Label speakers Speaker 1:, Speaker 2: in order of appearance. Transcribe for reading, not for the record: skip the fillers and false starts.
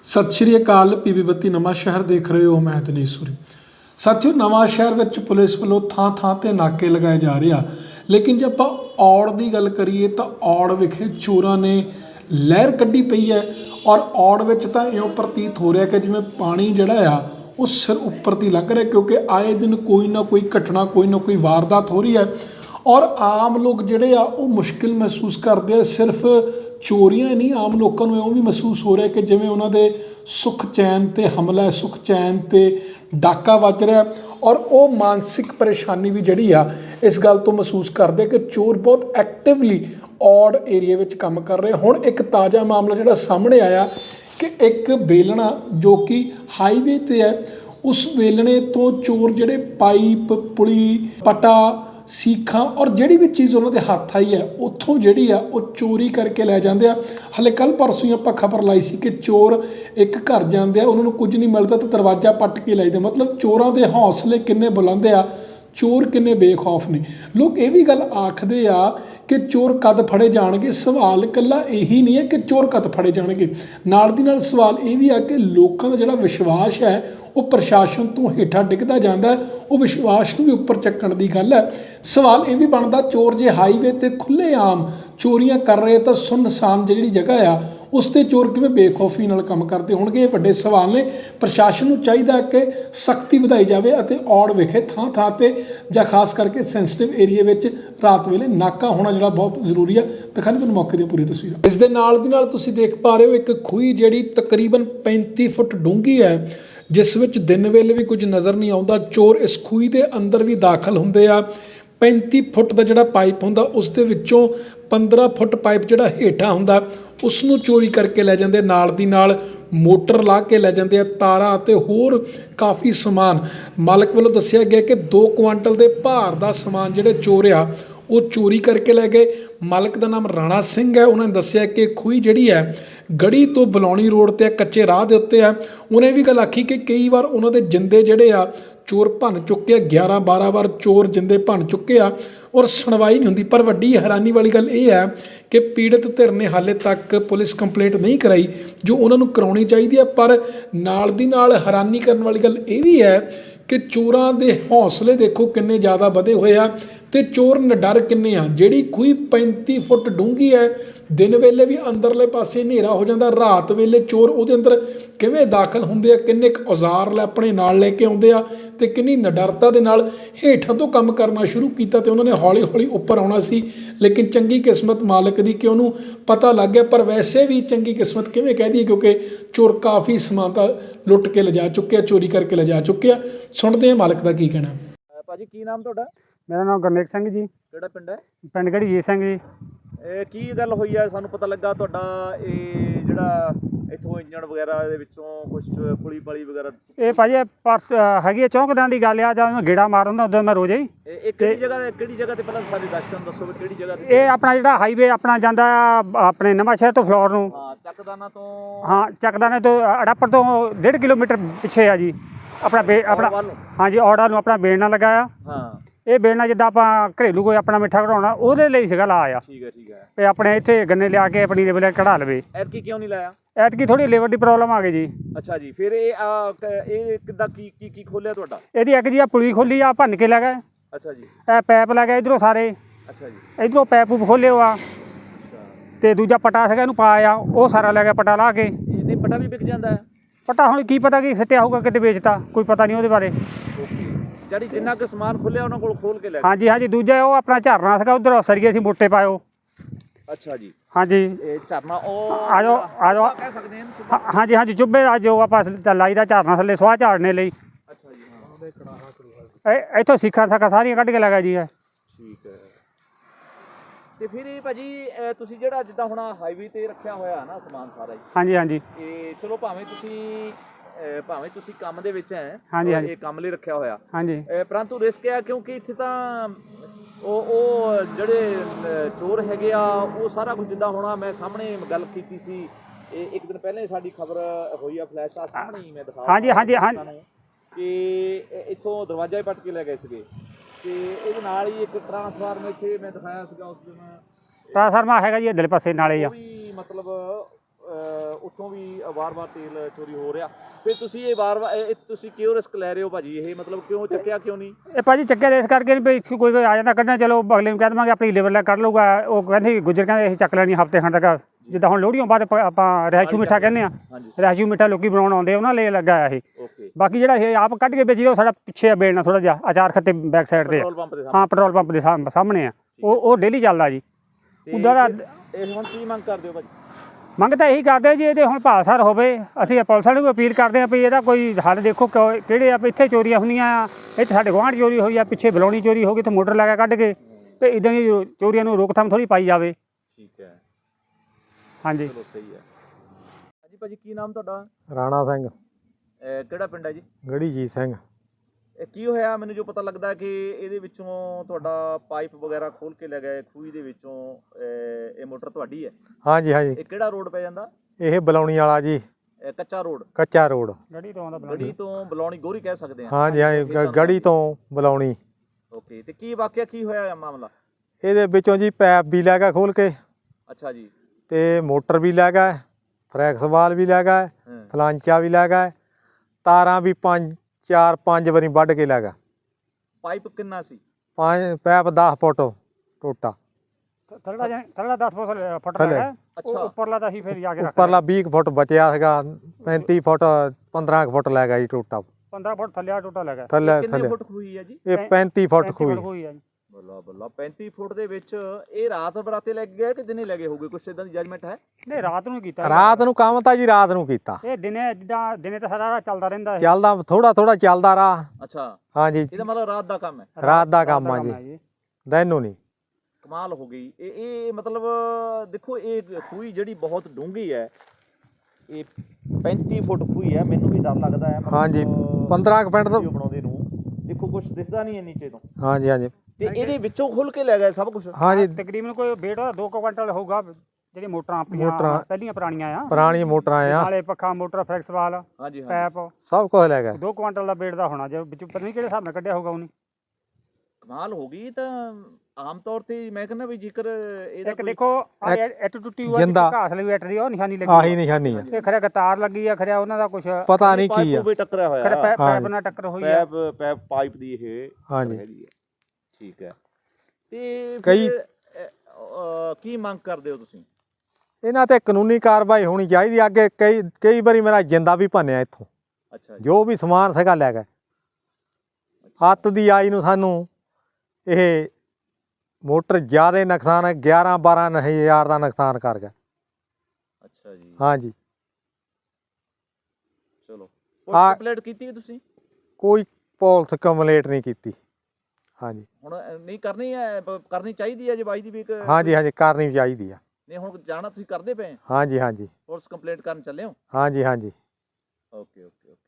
Speaker 1: ਸਤਿ ਸ਼੍ਰੀ ਅਕਾਲ। ਪੀਬੀ ਬੱਤੀ ਨਵਾਂ ਸ਼ਹਿਰ ਦੇਖ ਰਹੇ ਹੋ, ਮੈਂ ਦਿਨੇਸ਼ਵਰੀ। ਸਾਥੀਓ, ਨਵਾਂ ਸ਼ਹਿਰ ਵਿੱਚ ਪੁਲਿਸ ਵੱਲੋਂ ਥਾਂ ਥਾਂ 'ਤੇ ਨਾਕੇ ਲਗਾਏ ਜਾ ਰਹੇ ਆ, ਲੇਕਿਨ ਜੇ ਆਪਾਂ ਔੜ ਦੀ ਗੱਲ ਕਰੀਏ ਤਾਂ ਔੜ ਵਿਖੇ ਚੋਰਾਂ ਨੇ ਲਹਿਰ ਕੱਢੀ ਪਈ ਹੈ। ਔਰ ਔੜ ਵਿੱਚ ਤਾਂ ਇਉਂ ਪ੍ਰਤੀਤ ਹੋ ਰਿਹਾ ਕਿ ਜਿਵੇਂ ਪਾਣੀ ਜਿਹੜਾ ਆ ਉਹ ਸਿਰ ਉੱਪਰ ਦੀ ਲੰਘ ਰਿਹਾ, ਕਿਉਂਕਿ ਆਏ ਦਿਨ ਕੋਈ ਨਾ ਕੋਈ ਘਟਨਾ, ਕੋਈ ਨਾ ਕੋਈ ਵਾਰਦਾਤ ਹੋ ਰਹੀ ਹੈ। ਔਰ ਆਮ ਲੋਕ ਜਿਹੜੇ ਆ ਉਹ ਮੁਸ਼ਕਿਲ ਮਹਿਸੂਸ ਕਰਦੇ ਆ। ਸਿਰਫ ਚੋਰੀਆਂ ਹੀ ਨਹੀਂ, ਆਮ ਲੋਕਾਂ ਨੂੰ ਇਉਂ ਵੀ ਮਹਿਸੂਸ ਹੋ ਰਿਹਾ ਕਿ ਜਿਵੇਂ ਉਹਨਾਂ ਦੇ ਸੁੱਖ ਚੈਨ 'ਤੇ ਹਮਲਾ ਹੈ, ਸੁੱਖ ਚੈਨ 'ਤੇ ਡਾਕਾ ਵੱਜ ਰਿਹਾ। ਔਰ ਉਹ ਮਾਨਸਿਕ ਪਰੇਸ਼ਾਨੀ ਵੀ ਜਿਹੜੀ ਆ ਇਸ ਗੱਲ ਤੋਂ ਮਹਿਸੂਸ ਕਰਦੇ ਕਿ ਚੋਰ ਬਹੁਤ ਐਕਟਿਵਲੀ ਔੜ ਏਰੀਏ ਵਿੱਚ ਕੰਮ ਕਰ ਰਹੇ। ਹੁਣ ਇੱਕ ਤਾਜ਼ਾ ਮਾਮਲਾ ਜਿਹੜਾ ਸਾਹਮਣੇ ਆਇਆ ਕਿ ਇੱਕ ਵੇਲਣਾ ਜੋ ਕਿ ਹਾਈਵੇ 'ਤੇ ਹੈ, ਉਸ ਵੇਲਣੇ ਤੋਂ ਚੋਰ ਜਿਹੜੇ ਪਾਈਪ, ਪੁਲੀ, ਪਟਾ, ਸੀਖਾਂ ਔਰ ਜਿਹੜੀ ਵੀ ਚੀਜ਼ ਉਹਨਾਂ ਦੇ ਹੱਥ ਆਈ ਹੈ ਉੱਥੋਂ ਜਿਹੜੀ ਆ ਉਹ ਚੋਰੀ ਕਰਕੇ ਲੈ ਜਾਂਦੇ ਆ। ਹਾਲੇ ਕੱਲ੍ਹ ਪਰਸੋਂ ਹੀ ਆਪਾਂ ਖਬਰ ਲਾਈ ਸੀ ਕਿ ਚੋਰ ਇੱਕ ਘਰ ਜਾਂਦੇ ਆ, ਉਹਨਾਂ ਨੂੰ ਕੁਝ ਨਹੀਂ ਮਿਲਦਾ ਤਾਂ ਦਰਵਾਜ਼ਾ ਪੱਟ ਕੇ ਲੈ ਜਾਂਦੇ। ਮਤਲਬ ਚੋਰਾਂ ਦੇ ਹੌਸਲੇ ਕਿੰਨੇ ਬੁਲੰਦ ਆ, ਚੋਰ ਕਿੰਨੇ ਬੇਖੌਫ ਨੇ। ਲੋਕ ਇਹ ਵੀ ਗੱਲ ਆਖਦੇ ਆ ਕਿ ਚੋਰ ਕਦ ਫੜੇ ਜਾਣਗੇ। ਸਵਾਲ ਇਕੱਲਾ ਇਹੀ ਨਹੀਂ ਹੈ ਕਿ ਚੋਰ ਕਦ ਫੜੇ ਜਾਣਗੇ, ਨਾਲ ਦੀ ਨਾਲ ਸਵਾਲ ਇਹ ਵੀ ਆ ਕਿ ਲੋਕਾਂ ਦਾ ਜਿਹੜਾ ਵਿਸ਼ਵਾਸ ਹੈ ਉਹ ਪ੍ਰਸ਼ਾਸਨ ਤੋਂ ਹੇਠਾਂ ਡਿੱਗਦਾ ਜਾਂਦਾ ਹੈ। ਉਹ ਵਿਸ਼ਵਾਸ ਨੂੰ ਵੀ ਉੱਪਰ ਚੱਕਣ ਦੀ ਗੱਲ ਹੈ। ਸਵਾਲ ਇਹ ਵੀ ਬਣਦਾ, ਚੋਰ ਜੇ ਹਾਈਵੇ 'ਤੇ ਖੁੱਲ੍ਹੇਆਮ ਚੋਰੀਆਂ ਕਰ ਰਹੇ ਤਾਂ ਸੁੰਨਸਾਨ ਜਿਹੜੀ ਜਗ੍ਹਾ ਆ ਉਸ 'ਤੇ ਚੋਰ ਕਿਵੇਂ ਬੇਖੌਫੀ ਨਾਲ ਕੰਮ ਕਰਦੇ ਹੋਣਗੇ? ਇਹ ਵੱਡੇ ਸਵਾਲ ਨੇ। ਪ੍ਰਸ਼ਾਸਨ ਨੂੰ ਚਾਹੀਦਾ ਕਿ ਸਖਤੀ ਵਧਾਈ ਜਾਵੇ ਅਤੇ ਔੜ ਵਿਖੇ ਥਾਂ ਥਾਂ 'ਤੇ ਜਾਂ ਖਾਸ ਕਰਕੇ ਸੈਂਸਿਟਿਵ ਏਰੀਏ ਵਿੱਚ ਰਾਤ ਵੇਲੇ ਨਾਕਾ ਹੋਣਾ ਜਿਹੜਾ ਬਹੁਤ ਜ਼ਰੂਰੀ ਆ। ਦਿਖਾਉਂਦੇ ਤੁਹਾਨੂੰ ਮੌਕੇ ਦੀਆਂ ਪੂਰੀਆਂ ਤਸਵੀਰਾਂ। ਇਸ ਦੇ ਨਾਲ ਦੀ ਨਾਲ ਤੁਸੀਂ ਦੇਖ ਪਾ ਰਹੇ ਹੋ ਇੱਕ ਖੂਹੀ ਜਿਹੜੀ ਤਕਰੀਬਨ 35 ਫੁੱਟ ਡੂੰਘੀ ਹੈ, ਜਿਸ ਵਿੱਚ ਦਿਨ ਵੇਲੇ ਵੀ ਕੁਝ ਨਜ਼ਰ ਨਹੀਂ ਆਉਂਦਾ। ਚੋਰ ਇਸ ਖੂਹੀ ਦੇ ਅੰਦਰ ਵੀ ਦਾਖਲ ਹੁੰਦੇ ਆ। 35 ਫੁੱਟ ਦਾ ਜਿਹੜਾ ਪਾਈਪ ਹੁੰਦਾ ਉਸ ਦੇ ਵਿੱਚੋਂ 15 ਫੁੱਟ ਪਾਈਪ ਜਿਹੜਾ ਹੇਠਾਂ ਹੁੰਦਾ ਉਸ ਨੂੰ ਚੋਰੀ ਕਰਕੇ ਲੈ ਜਾਂਦੇ। ਨਾਲ ਦੀ ਨਾਲ ਮੋਟਰ ਲਾ ਕੇ ਲੈ ਜਾਂਦੇ ਆ, ਤਾਰਾਂ ਅਤੇ ਹੋਰ ਕਾਫੀ ਸਮਾਨ। ਮਾਲਕ ਵੱਲੋਂ ਦੱਸਿਆ ਗਿਆ ਕਿ 2 ਕੁਆਂਟਲ ਦੇ ਭਾਰ ਦਾ ਸਮਾਨ ਜਿਹੜੇ ਚੋਰ ਆ ਉਹ ਚੋਰੀ ਕਰਕੇ ਲੈ ਗਏ। ਮਾਲਕ ਦਾ ਨਾਮ ਰਾਣਾ ਸਿੰਘ ਹੈ। ਉਹਨਾਂ ਨੇ ਦੱਸਿਆ ਕਿ ਖੂਹੀ ਜਿਹੜੀ ਹੈ ਗੜੀ ਤੋਂ ਬਲੌਣੀ ਰੋਡ 'ਤੇ ਕੱਚੇ ਰਾਹ ਦੇ ਉੱਤੇ ਆ। ਉਹਨੇ ਵੀ ਗੱਲ ਆਖੀ ਕਿ ਕਈ ਵਾਰ ਉਹਨਾਂ ਦੇ ਜਿੰਦੇ ਜਿਹੜੇ ਆ ਚੋਰ ਭੰਨ ਚੁੱਕੇ ਆ, 11-12 ਵਾਰ ਚੋਰ ਜਿੰਦੇ ਭੰਨ ਚੁੱਕੇ ਆ ਔਰ ਸੁਣਵਾਈ ਨਹੀਂ ਹੁੰਦੀ। ਪਰ ਵੱਡੀ ਹੈਰਾਨੀ ਵਾਲੀ ਗੱਲ ਇਹ ਹੈ ਕਿ ਪੀੜਤ ਧਿਰ ਨੇ ਹਾਲੇ ਤੱਕ ਪੁਲਿਸ ਕੰਪਲੇਂਟ ਨਹੀਂ ਕਰਾਈ, ਜੋ ਉਹਨਾਂ ਨੂੰ ਕਰਾਉਣੀ ਚਾਹੀਦੀ ਹੈ। ਪਰ ਨਾਲ ਦੀ ਨਾਲ ਹੈਰਾਨੀ ਕਰਨ ਵਾਲੀ ਗੱਲ ਇਹ ਵੀ ਹੈ ਕਿ ਚੋਰਾਂ ਦੇ ਹੌਸਲੇ ਦੇਖੋ ਕਿੰਨੇ ਜ਼ਿਆਦਾ ਵਧੇ ਹੋਏ ਆ ਅਤੇ ਚੋਰ ਨਿਡਰ ਕਿੰਨੇ ਆ। ਜਿਹੜੀ ਖੂਹੀ 35 ਫੁੱਟ ਡੂੰਘੀ ਹੈ, ਦਿਨ ਵੇਲੇ ਵੀ ਅੰਦਰਲੇ ਪਾਸੇ ਹਨੇਰਾ ਹੋ ਜਾਂਦਾ, ਰਾਤ ਵੇਲੇ ਚੋਰ ਉਹਦੇ ਅੰਦਰ ਕਿਵੇਂ ਦਾਖਲ ਹੁੰਦੇ ਆ, ਕਿੰਨੇ ਕੁ ਔਜ਼ਾਰ ਆਪਣੇ ਨਾਲ ਲੈ ਕੇ ਆਉਂਦੇ ਆ ਅਤੇ ਕਿੰਨੀ ਨਿਡਰਤਾ ਦੇ ਨਾਲ ਹੇਠਾਂ ਤੋਂ ਕੰਮ ਕਰਨਾ ਸ਼ੁਰੂ ਕੀਤਾ। ਅਤੇ ਉਹਨਾਂ ਨੇ ਹੌਲੀ ਹੌਲੀ ਉੱਪਰ ਆਉਣਾ ਸੀ, ਲੇਕਿਨ ਚੰਗੀ ਕਿਸਮਤ ਮਾਲਕ ਦੀ ਕਿ ਉਹਨੂੰ ਪਤਾ ਲੱਗ ਗਿਆ। ਪਰ ਵੈਸੇ ਵੀ ਚੰਗੀ ਕਿਸਮਤ ਕਿਵੇਂ ਕਹਿ ਦਈਏ, ਕਿਉਂਕਿ ਚੋਰ ਕਾਫੀ ਸਮਾਨ ਤਾਂ ਲੁੱਟ ਕੇ ਲਿਜਾ ਚੁੱਕੇ ਆ, ਚੋਰੀ ਕਰਕੇ ਲਿਜਾ ਚੁੱਕੇ ਆ। ਸੁਣਦੇ ਆ ਮਾਲਕ ਦਾ ਕੀ ਕਹਿਣਾ।
Speaker 2: ਭਾਜੀ ਕੀ ਨਾਮ ਤੁਹਾਡਾ?
Speaker 3: ਮੇਰਾ ਨਾਮ ਗੁਰਨੇਕ ਸਿੰਘ ਜੀ।
Speaker 2: ਕਿਹੜਾ ਪਿੰਡ ਹੈ?
Speaker 3: ਪਿੰਡ ਗੜੀਏ ਸਿੰਘ ਜੀ।
Speaker 2: ਇਹ ਕੀ ਗੱਲ ਹੋਈ ਹੈ? ਸਾਨੂੰ ਪਤਾ ਲੱਗਾ ਤੁਹਾਡਾ ਇਹ ਜਿਹੜਾ ਇੱਥੋਂ ਇੰਜਣ ਵਗੈਰਾ ਦੇ ਵਿੱਚੋਂ ਕੁਝ ਪੁਲੀ ਪਾਲੀ ਵਗੈਰਾ।
Speaker 3: ਇਹ ਭਾਜੀ ਪਰਸ ਹੈਗੀ ਆ, ਚੌਂਕ ਦਿਨਾਂ ਦੀ ਗੱਲ ਆ। ਜਦੋਂ ਮੈਂ ਗੇੜਾ ਮਾਰਦਾ ਉਦੋਂ ਮੈਂ ਰੋਜ਼ ਹੀ।
Speaker 2: ਇਹ ਕਿਹੜੀ ਜਗ੍ਹਾ ਤੇ ਪਹਿਲਾਂ ਸਾਡੇ ਦਰਸ਼ਨ ਦੱਸੋ ਵੀ ਕਿਹੜੀ ਜਗ੍ਹਾ ਤੇ?
Speaker 3: ਇਹ ਆਪਣਾ ਜਿਹੜਾ ਹਾਈਵੇ ਆਪਣਾ ਜਾਂਦਾ ਆਪਣੇ ਨਵਾਂ ਸ਼ਹਿਰ ਤੋਂ ਫਲੋਰ ਨੂੰ।
Speaker 2: ਹਾਂ, ਚੱਕਦਾਨਾ ਤੋਂ।
Speaker 3: ਹਾਂ, ਚੱਕਦਾਨੇ ਤੋਂ ਅੜਾਪਰ ਤੋਂ 1.5 ਕਿਲੋਮੀਟਰ ਪਿੱਛੇ ਆ ਜੀ ਆਪਣਾ ਹਾਂਜੀ ਔੜਾ ਨੂੰ ਆਪਣਾ ਬੇੜਨਾ ਲਗਾਇਆ।
Speaker 2: ਹਾਂ,
Speaker 3: ਇਹ ਬੇੜਨਾ ਜਿੱਦਾਂ ਆਪਾਂ ਘਰੇਲੂ ਕੋਈ ਆਪਣਾ ਮਿੱਠਾ ਕਢਾਉਣਾ ਉਹਦੇ ਲਈ ਸੀਗਾ ਲਾ ਆ।
Speaker 2: ਠੀਕ ਹੈ।
Speaker 3: ਇਹ ਆਪਣੇ ਇੱਥੇ ਗੰਨੇ ਲਿਆ ਕੇ ਆਪਣੀ ਲੇਬਰ ਕਢਾ ਲਵੇ।
Speaker 2: ਐਤਕੀ ਕਿਉਂ ਨਹੀਂ ਲਾਇਆ?
Speaker 3: ਐਤਕੀ ਥੋੜੀ ਲੇਬਰ ਦੀ ਪ੍ਰੋਬਲਮ ਆ ਗਈ ਜੀ।
Speaker 2: ਅੱਛਾ ਜੀ। ਫਿਰ ਇਹ ਕਿੱਦਾਂ ਕੀ ਖੋਲਿਆ ਤੁਹਾਡਾ?
Speaker 3: ਇਹਦੀ ਇੱਕ ਜੀ ਆ ਪੁਲੀ ਖੋਲੀ ਆ, ਭੰਨ ਕੇ ਲੈ ਗਏ।
Speaker 2: ਅੱਛਾ ਜੀ।
Speaker 3: ਇਹ ਪੈਪ ਲੈ ਗਏ ਇੱਧਰੋਂ ਸਾਰੇ।
Speaker 2: ਅੱਛਾ ਜੀ।
Speaker 3: ਇੱਧਰੋਂ ਪੈਪ ਪੂਪ ਖੋਲਿਓ ਆ ਤੇ ਦੂਜਾ ਪਟਾ ਸੀਗਾ ਇਹਨੂੰ ਪਾਇਆ, ਉਹ ਸਾਰਾ ਲੈ ਗਿਆ ਪਟਾ ਲਾ ਕੇ।
Speaker 2: ਇਹ ਨਹੀਂ ਪਟਾ ਵੀ ਵਿਕ ਜਾਂਦਾ ਹੈ?
Speaker 3: ਪਟਾ ਹੁਣ ਕੀ ਪਤਾ ਕਿ ਸਿੱਟਿਆ ਹੋਊਗਾ ਕਿਤੇ ਵੇਚਤਾ, ਕੋਈ ਪਤਾ ਨਹੀਂ ਉਹਦੇ ਬਾਰੇ।
Speaker 2: ਜਿਹੜੀ ਜਿੰਨਾ ਕੁ ਸਮਾਨ ਖੁੱਲਿਆ ਉਹਨਾਂ ਕੋਲ ਖੋਲ ਕੇ ਲੈ ਗਏ?
Speaker 3: ਹਾਂਜੀ। ਦੂਜਾ ਉਹ ਆਪਣਾ ਝਰਨਾ ਸੀਗਾ, ਉਧਰ ਸਰੀਏ ਸੀ ਮੋਟੇ ਪਾਇਓ।
Speaker 2: ਅੱਛਾ ਜੀ।
Speaker 3: ਹਾਂਜੀ।
Speaker 2: ਇਹ ਝਰਨਾ ਉਹ
Speaker 3: ਆ ਜਾਓ
Speaker 2: ਕਹਿ ਸਕਦੇ ਹਾਂ।
Speaker 3: ਹਾਂਜੀ ਚੁੱਭੇ ਦਾ ਜੋ ਆਪਾਂ ਲਾਈਦਾ ਝਰਨਾ ਥੱਲੇ ਸਵਾਹ ਝਾੜਨੇ ਲਈ।
Speaker 2: ਅੱਛਾ ਜੀ। ਹਾਂ,
Speaker 3: ਇੱਥੋਂ ਸਿੱਖਾਂ ਸਾਖਾਂ ਸਾਰੀਆਂ ਕੱਢ ਕੇ ਲੱਗਾ ਜੀ ਇਹ।
Speaker 2: ਠੀਕ ਹੈ। ਤੇ ਫਿਰ ਇਹ ਭਾਜੀ ਤੁਸੀਂ ਜਿਹੜਾ ਜਿੱਦਾਂ ਹੁਣ ਹਾਈਵੇ ਤੇ ਰੱਖਿਆ ਹੋਇਆ ਨਾ ਸਮਾਨ ਸਾਰਾ ਹੀ।
Speaker 3: ਹਾਂਜੀ।
Speaker 2: ਇਹ ਚਲੋ ਭਾਵੇਂ ਤੁਸੀਂ ਕੰਮ ਦੇ ਵਿੱਚ ਹੈ।
Speaker 3: ਹਾਂਜੀ।
Speaker 2: ਇਹ ਕੰਮ ਲਈ ਰੱਖਿਆ ਹੋਇਆ।
Speaker 3: ਹਾਂਜੀ।
Speaker 2: ਪਰੰਤੂ ਰਿਸਕ ਹੈ ਕਿਉਂਕਿ ਇੱਥੇ ਤਾਂ ਉਹ ਜਿਹੜੇ ਚੋਰ ਹੈਗੇ ਆ ਉਹ ਸਾਰਾ ਕੁਝ ਜਿੱਦਾਂ ਹੋਣਾ। ਮੈਂ ਸਾਹਮਣੇ ਗੱਲ ਕੀਤੀ ਸੀ ਇਹ ਇੱਕ ਦਿਨ ਪਹਿਲਾਂ ਹੀ ਸਾਡੀ ਖਬਰ ਹੋਈ ਆ, ਫਲੈਸ਼ ਆ ਸਾਹਮਣੇ ਹੀ ਮੈਂ ਦਿਖਾ।
Speaker 3: ਹਾਂਜੀ
Speaker 2: ਕਿ ਇੱਥੋਂ ਦਰਵਾਜ਼ਾ ਹੀ ਪੱਟ ਕੇ ਲੈ ਗਏ ਸੀਗੇ ਤੇ ਇਹਦੇ ਨਾਲ ਹੀ ਇੱਕ ਟਰਾਂਸਫਾਰਮਰ ਇੱਥੇ ਮੈਂ ਦਿਖਾਇਆ ਸੀਗਾ ਉਸ ਦਿਨ।
Speaker 3: ਟਰਾਂਸਫਾਰਮਰ ਹੈਗਾ ਜੀ ਇੱਧਰਲੇ ਪਾਸੇ ਨਾਲੇ ਆ।
Speaker 2: ਵੀ ਮਤਲਬ ਉੱਥੋਂ ਵੀ ਵਾਰ-ਵਾਰ ਤੇਲ ਚੋਰੀ ਹੋ ਰਿਹਾ, ਫਿਰ ਤੁਸੀਂ ਇਹ ਵਾਰ-ਵਾਰ ਤੁਸੀਂ ਕਿਉਂ ਰਿਸਕ ਲੈ ਰਹੇ ਹੋ ਭਾਜੀ? ਇਹ ਮਤਲਬ ਕਿਉਂ ਚੱਕਿਆ ਕਿਉਂ ਨਹੀਂ?
Speaker 3: ਇਹ ਭਾਜੀ ਚੱਕਿਆ ਦੇ ਇਸ ਕਰਕੇ ਵੀ ਇੱਥੇ ਕੋਈ ਆ ਜਾਂਦਾ ਕੱਢਣਾ, ਚਲੋ ਅਗਲੇ ਨੂੰ ਕਹਿ ਦੇਵਾਂਗੇ ਆਪਣੀ ਲੇਬਰ ਲੈ ਕੱਢ ਲਊਗਾ। ਉਹ ਕਹਿੰਦੇ ਗੁੱਜਰ ਕਹਿੰਦੇ ਅਸੀਂ ਚੱਕ ਲੈਣੀ ਹਫ਼ਤੇ ਖੰਡ ਤੱਕ, ਜਿੱਦਾਂ ਹੁਣ ਲੋਹੜੀਆਂ ਬਾਅਦ ਆਪਾਂ ਰਿਹਾਇਸ਼ੂ ਮਿੱਠਾ ਕਹਿੰਦੇ ਆ,
Speaker 2: ਹਾਂਜੀ
Speaker 3: ਰਿਹਾਇਸ਼ੂ ਮਿੱਠਾ ਲੋਕੀ ਬਣਾਉਣ ਆਉਂਦੇ ਉਹਨਾਂ ਲਈ ਲੱਗਾ ਆ ਇਹ।
Speaker 2: ਓਕੇ।
Speaker 3: ਬਾਕੀ ਜਿਹੜਾ ਇਹ ਆਪ ਕੱਢ ਕੇ ਵੇਚੀ ਉਹ ਸਾਡਾ ਪਿੱਛੇ ਆ ਬੇਲਣਾ ਥੋੜਾ ਜਿਹਾ ਆਚਾਰ ਖੱਤੇ ਬੈਕ ਸਾਈਡ ਤੇ ਆ।
Speaker 2: ਪੈਟਰੋਲ ਪੰਪ ਦੇ
Speaker 3: ਹਾਂ ਪੈਟਰੋਲ ਪੰਪ ਦੇ ਸਾਹਮਣੇ ਆ, ਉਹ ਡੇਲੀ ਚੱਲਦਾ ਜੀ। ਉਹਦਾ
Speaker 2: ਇਹ ਹੁਣ ਕੀ ਮੰਗ ਕਰਦੇ ਹੋ ਭਾਜੀ?
Speaker 3: ਮੰਗ ਤਾਂ ਇਹੀ ਕਰਦੇ ਜੀ ਇਹਦੇ ਹੁਣ ਭਾਅ ਹੋਵੇ। ਅਸੀਂ ਪੁਲਿਸ ਵਾਲਿਆਂ ਨੂੰ ਅਪੀਲ ਕਰਦੇ ਹਾਂ ਵੀ ਇਹਦਾ ਕੋਈ ਹੱਲ ਦੇਖੋ। ਕਿਹੜੇ ਆ ਇੱਥੇ ਚੋਰੀਆਂ ਹੁੰਦੀਆਂ ਆ, ਇੱਥੇ ਸਾਡੇ ਗੁਆਂਢ ਚੋਰੀ ਹੋਈ ਆ, ਪਿੱਛੇ ਬਲੌਣੀ ਚੋਰੀ ਹੋ ਗਈ ਤੇ ਮੋਟਰ ਲਾ ਕੇ ਕੱਢ ਕੇ, ਤੇ ਇਦਾਂ ਦੀ ਚੋਰੀਆਂ ਨੂੰ ਰੋਕਥਾਮ ਥੋੜੀ ਪਾਈ ਜਾਵੇ।
Speaker 2: ਠੀਕ ਹੈ,
Speaker 3: ਹਾਂਜੀ
Speaker 2: ਚਲੋ ਸਹੀ ਹੈ। ਹਾਂਜੀ ਭਾਜੀ, ਕੀ ਨਾਮ ਤੁਹਾਡਾ?
Speaker 4: ਰਾਣਾ ਸਿੰਘ,
Speaker 2: ਕਿਹੜਾ ਪਿੰਡ ਹੈ ਜੀ?
Speaker 4: ਗੜੀਜੀਤ ਸਿੰਘ।
Speaker 2: ਇਹ ਕੀ ਹੋਇਆ? ਮੈਨੂੰ ਜੋ ਪਤਾ ਲੱਗਦਾ ਕਿ ਇਹਦੇ ਵਿੱਚੋਂ ਤੁਹਾਡਾ ਪਾਈਪ ਵਗੈਰਾ ਖੋਲ ਕੇ ਲੈ ਗਏ ਖੂਹੀ ਦੇ ਵਿੱਚੋਂ। ਇਹ ਮੋਟਰ ਤੁਹਾਡੀ ਹੈ?
Speaker 4: ਹਾਂਜੀ ਹਾਂਜੀ,
Speaker 2: ਇਹ ਕਿਹੜਾ ਰੋਡ ਪੈ ਜਾਂਦਾ?
Speaker 4: ਇਹ ਬਲੌਣੀ ਵਾਲਾ ਜੀ,
Speaker 2: ਕੱਚਾ ਰੋਡ,
Speaker 4: ਕੱਚਾ ਰੋਡ।
Speaker 3: ਗੜੀ ਤੋਂ ਆਉਂਦਾ
Speaker 2: ਗੜੀ ਤੋਂ ਬਲੌਣੀ ਗੋਰੀ ਕਹਿ ਸਕਦੇ ਹਾਂ।
Speaker 4: ਹਾਂਜੀ ਹਾਂਜੀ, ਗੜੀ ਤੋਂ ਬਲੌਣੀ।
Speaker 2: ਓਕੇ, ਤੇ ਕੀ ਵਾਕਿਆ ਕੀ ਹੋਇਆ ਮਾਮਲਾ?
Speaker 4: ਇਹਦੇ ਵਿੱਚੋਂ ਜੀ ਪੈਪ ਵੀ ਲੈ ਗਿਆ ਖੋਲ ਕੇ,
Speaker 2: ਅੱਛਾ ਜੀ।
Speaker 4: ਤੇ ਮੋਟਰ ਵੀ ਲੈ ਗਿਆ, ਫਰੈਕਸ ਵਾਲ ਵੀ ਲੈ ਗਿਆ, ਫਲਾਂਚਾ ਵੀ ਲੈ ਗਿਆ, ਤਾਰਾਂ ਵੀ 4-5 ਵਾਰੀ ਵੱਢ ਕੇ ਲੈ ਗਿਆ।
Speaker 2: ਪਾਈਪ ਕਿੰਨਾ ਸੀ?
Speaker 4: ਪੈਪ 10 ਫੁੱਟ ਟੋਟਾ,
Speaker 3: ਥੱਲਾ 10 ਫੁੱਟ
Speaker 4: ਥੱਲੇ।
Speaker 3: ਲੱਗਾ।
Speaker 2: ਅੱਛਾ,
Speaker 3: ਉੱਪਰਲਾ ਤਾਂ ਅਸੀਂ ਫਿਰ ਜਾ ਕੇ ਰੱਖ
Speaker 4: ਉੱਪਰਲਾ 20 ਫੁੱਟ ਬਚਿਆ ਸੀਗਾ, 35 ਫੁੱਟ 15 ਫੁੱਟ ਲੈ ਗਿਆ ਜੀ ਟੋਟਾ।
Speaker 3: 15 ਫੁੱਟ ਥੱਲੇ ਟੋਟਾ ਲੱਗਾ।
Speaker 4: ਥੱਲੇ
Speaker 2: ਕਿੰਨੇ
Speaker 4: ਥੱਲੇ
Speaker 2: ਫੁੱਟ ਖੂਹੀ ਹੈ ਜੀ?
Speaker 4: ਇਹ 35 ਫੁੱਟ ਖੂਹੀ।
Speaker 3: ਆ ਜੀ।
Speaker 2: ਬੱਲਾ ਬੱਲਾ, 35 ਫੁੱਟ ਦੇ ਵਿੱਚ ਇਹ ਰਾਤ ਬਰਾਤੇ ਲੈ ਗਏ ਕਿ ਦਿਨੇ ਲੈ ਗਏ ਹੋਗੇ? ਕੁਛ ਇਦਾਂ ਦੀ ਜਜਮੈਂਟ ਹੈ?
Speaker 3: ਨਹੀਂ ਰਾਤ ਨੂੰ ਕੀਤਾ।
Speaker 4: ਰਾਤ ਨੂੰ ਕੰਮ ਤਾਂ ਜੀ ਰਾਤ ਨੂੰ ਕੀਤਾ।
Speaker 3: ਇਹ ਦਿਨੇ ਜਿੱਦਾਂ ਦਿਨੇ ਤਾਂ ਸਾਰਾ ਚੱਲਦਾ ਰਹਿੰਦਾ ਹੈ।
Speaker 4: ਚੱਲਦਾ ਥੋੜਾ ਥੋੜਾ ਚੱਲਦਾ ਰਹਾ।
Speaker 2: ਅੱਛਾ,
Speaker 4: ਹਾਂਜੀ,
Speaker 2: ਇਹਦਾ ਮਤਲਬ ਰਾਤ ਦਾ ਕੰਮ ਹੈ?
Speaker 4: ਰਾਤ ਦਾ ਕੰਮ ਆ ਜੀ, ਦਿਨ ਨੂੰ ਨਹੀਂ।
Speaker 2: ਕਮਾਲ ਹੋ ਗਈ। ਇਹ ਮਤਲਬ ਦੇਖੋ, ਇਹ ਖੂਹੀ ਜਿਹੜੀ ਬਹੁਤ ਡੂੰਘੀ ਹੈ, ਇਹ 35 ਫੁੱਟ ਖੂਹੀ ਹੈ। ਮੈਨੂੰ ਵੀ ਡਰ ਲੱਗਦਾ ਹੈ।
Speaker 4: ਹਾਂਜੀ, 15 ਫੁੱਟ ਤੋਂ
Speaker 2: ਬਣਾਉਂਦੇ ਨੂੰ ਦੇਖੋ ਕੁਝ ਦਿਸਦਾ ਨਹੀਂ ਹੈ ਨੀਚੇ ਤੋਂ।
Speaker 4: ਹਾਂਜੀ ਹਾਂਜੀ,
Speaker 2: ਤੇ ਇਹਦੇ ਵਿੱਚੋਂ ਖੁੱਲ ਕੇ ਲੈ ਗਏ ਸਭ ਕੁਝ?
Speaker 4: ਹਾਂਜੀ,
Speaker 3: ਤਕਰੀਬਨ ਕੋਈ ਵੇਟ 2 ਕੁਇੰਟਲ ਹੋਊਗਾ। ਜਿਹੜੀ ਮੋਟਰਾਂ ਆਪਣੀਆਂ ਪਹਿਲੀਆਂ ਪੁਰਾਣੀਆਂ ਆ,
Speaker 4: ਪੁਰਾਣੀ ਮੋਟਰਾਂ ਆ,
Speaker 3: ਨਾਲੇ ਪੱਖਾ ਮੋਟਰ ਫਲੈਕਸ ਵਾਲ
Speaker 2: ਹਾਂਜੀ ਹਾਂ,
Speaker 3: ਪੈਪ
Speaker 4: ਸਭ ਕੁਝ ਲੈ ਗਏ।
Speaker 3: 2 ਕੁਇੰਟਲ ਦਾ ਵੇਟ ਦਾ ਹੋਣਾ। ਜੇ ਵਿੱਚੋਂ ਪਤਾ ਨਹੀਂ ਕਿਹੜੇ ਹਿਸਾਬ ਨਾਲ ਕੱਢਿਆ ਹੋਊਗਾ ਉਹਨੇ।
Speaker 2: ਕਮਾਲ ਹੋ ਗਈ। ਤਾਂ ਆਮ ਤੌਰ ਤੇ ਮੈਂ ਕਹਿੰਦਾ ਵੀ ਜੇਕਰ ਇਹਦਾ
Speaker 3: ਇੱਕ ਦੇਖੋ ਐਟ ਟੁੱਟੀ ਹੋਈ
Speaker 4: ਜਿੰਦਾ।
Speaker 3: ਘਾਸ ਲਈ ਐਟ ਦੀ ਉਹ ਨਿਸ਼ਾਨੀ ਲੱਗੀ।
Speaker 4: ਆਹੀ ਨਿਸ਼ਾਨੀ ਆ,
Speaker 3: ਇਹ ਖਰਿਆ ਤਾਰ ਲੱਗੀ ਆ, ਖਰਿਆ ਉਹਨਾਂ ਦਾ ਕੁਝ
Speaker 4: ਪਤਾ ਨਹੀਂ ਕੀ ਆ।
Speaker 2: ਪਾਈਪ ਵੀ ਟੱਕਰਿਆ ਹੋਇਆ
Speaker 3: ਖਰਿਆ
Speaker 2: ਹੈ।
Speaker 3: ਪੈਪ ਨਾਲ ਟੱਕਰ ਹੋਈ ਆ।
Speaker 2: ਪਾਈਪ ਦੀ ਇਹ
Speaker 4: ਹਾਂਜੀ,
Speaker 2: ਹੈਗੀ ਹੈ। ਠੀਕ ਹੈ। ਤੇ
Speaker 4: ਕਈ
Speaker 2: ਕੀ ਮੰਗ ਕਰਦੇ ਹੋ ਤੁਸੀਂ?
Speaker 4: ਇਹਨਾਂ ਤੇ ਕਾਨੂੰਨੀ ਕਾਰਵਾਈ ਹੋਣੀ ਚਾਹੀਦੀ। ਅੱਗੇ ਕਈ ਵਾਰੀ ਮੇਰਾ ਜਿੰਦਾ ਵੀ ਭੰਨਿਆ ਇੱਥੋਂ,
Speaker 2: ਅੱਛਾ ਜੀ।
Speaker 4: ਜੋ ਵੀ ਸਮਾਨ ਸੀਗਾ ਲੈ ਗਏ। ਹੱਥ ਦੀ ਆਈ ਨੂੰ ਸਾਨੂੰ ਇਹ ਮੋਟਰ ਜ਼ਿਆਦਾ ਨੁਕਸਾਨ ਹੈ, 11-12 ਹਜ਼ਾਰ ਦਾ ਨੁਕਸਾਨ ਕਰ ਗਿਆ।
Speaker 2: ਅੱਛਾ ਜੀ।
Speaker 4: ਹਾਂਜੀ,
Speaker 2: ਚਲੋ,
Speaker 4: ਆ-
Speaker 2: ਕੰਪਲੀਟ ਕੀਤੀ ਤੁਸੀਂ?
Speaker 4: ਕੋਈ ਪੁਲਿਸ ਕੰਪਲੇਂਟ ਨਹੀਂ ਕੀਤੀ। ਹਾਂਜੀ
Speaker 2: ਹੁਣ ਨਹੀਂ ਕਰਨੀ ਹੈ, ਕਰਨੀ ਚਾਹੀਦੀ ਹੈ ਜੇ ਬਾਈ ਦੀ ਵੀ
Speaker 4: ਹਾਂਜੀ ਹਾਂਜੀ, ਕਰਨੀ ਚਾਹੀਦੀ ਆ।
Speaker 2: ਨਹੀਂ ਹੁਣ ਜਾਣਾ ਤੁਸੀਂ ਕਰਦੇ ਪਏ?
Speaker 4: ਹਾਂਜੀ ਹਾਂਜੀ
Speaker 2: ਪੁਲਿਸ ਕੰਪਲੇਂਟ ਕਰਨ ਚੱਲੇ ਹੋ?
Speaker 4: ਹਾਂਜੀ ਹਾਂਜੀ।
Speaker 2: Okay okay okay.